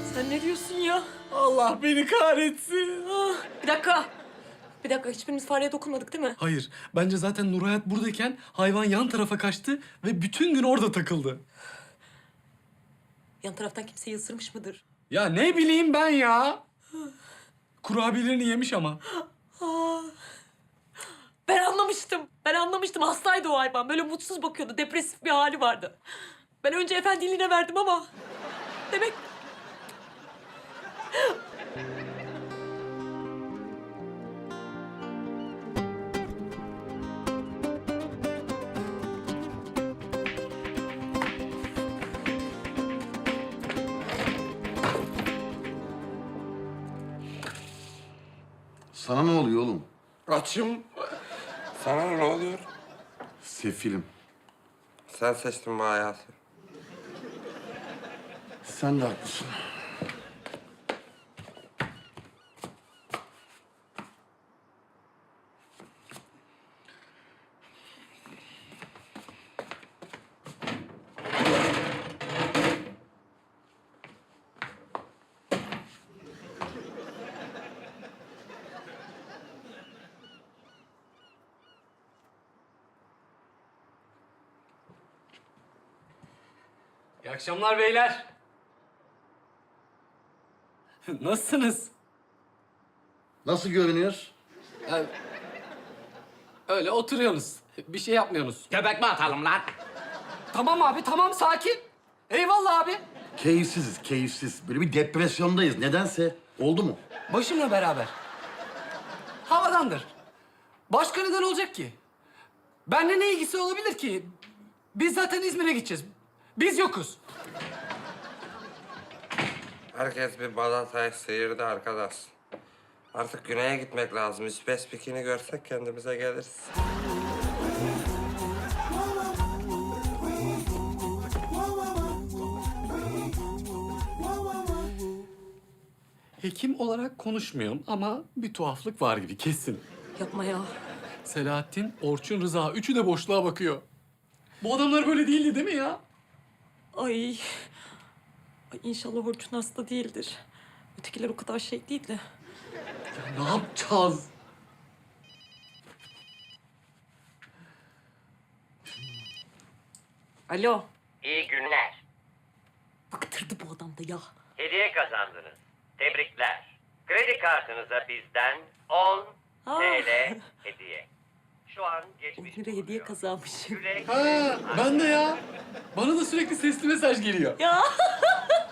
Sen ne diyorsun ya? Allah beni kahretsin. Ah, bir dakika. Bir dakika, hiçbirimiz fareye dokunmadık değil mi? Hayır, bence zaten Nurhayat buradayken hayvan yan tarafa kaçtı ve bütün gün orada takıldı. Yan taraftan kimseyi ısırmış mıdır? Ya ne bileyim ben ya. Kurabiyelerini yemiş ama. Ben anlamıştım. Ben anlamıştım. Hastaydı o hayvan. Böyle mutsuz bakıyordu. Depresif bir hali vardı. Ben önce efendiliğine verdim ama... Demek... Sana ne oluyor oğlum? Açım. Sana ne oluyor? Sefilim. Sen seçtin bu hayatı. Sen de haklısın. İyi akşamlar beyler. Nasılsınız? Nasıl görünüyoruz? Yani, öyle oturuyorsunuz. Bir şey yapmıyorsunuz. Göbek mi atalım lan? Tamam abi, tamam sakin. Eyvallah abi. Keyifsiziz, keyifsiz. Böyle bir depresyondayız. Nedense. Oldu mu? Başımla beraber. Havadandır. Başka neden olacak ki? Benimle ne ilgisi olabilir ki? Biz zaten İzmir'e gideceğiz. Biz yokuz. Herkes bir balatayı sıyırdı arkadaş. Artık güneye gitmek lazım. İspes pikini görsek kendimize geliriz. Hekim olarak konuşmuyorum ama bir tuhaflık var gibi kesin. Yapma ya. Selahattin, Orçun, Rıza üçü de boşluğa bakıyor. Bu adamlar böyle değildi değil mi ya? Ay. Ay inşallah Orçun hasta değildir. Ötekiler o kadar şey değil de. Ne yapacağız? Alo. İyi günler. Bıktırdı bu adam da ya. Hediye kazandınız. Tebrikler. Kredi kartınıza bizden 10 Aa. TL hediye. Şu an 10 geçmiş lira hediye bulunuyor. kazanmışım. Güle güle. Ha, ben de ya. Bana da sürekli sesli mesaj geliyor. Ya.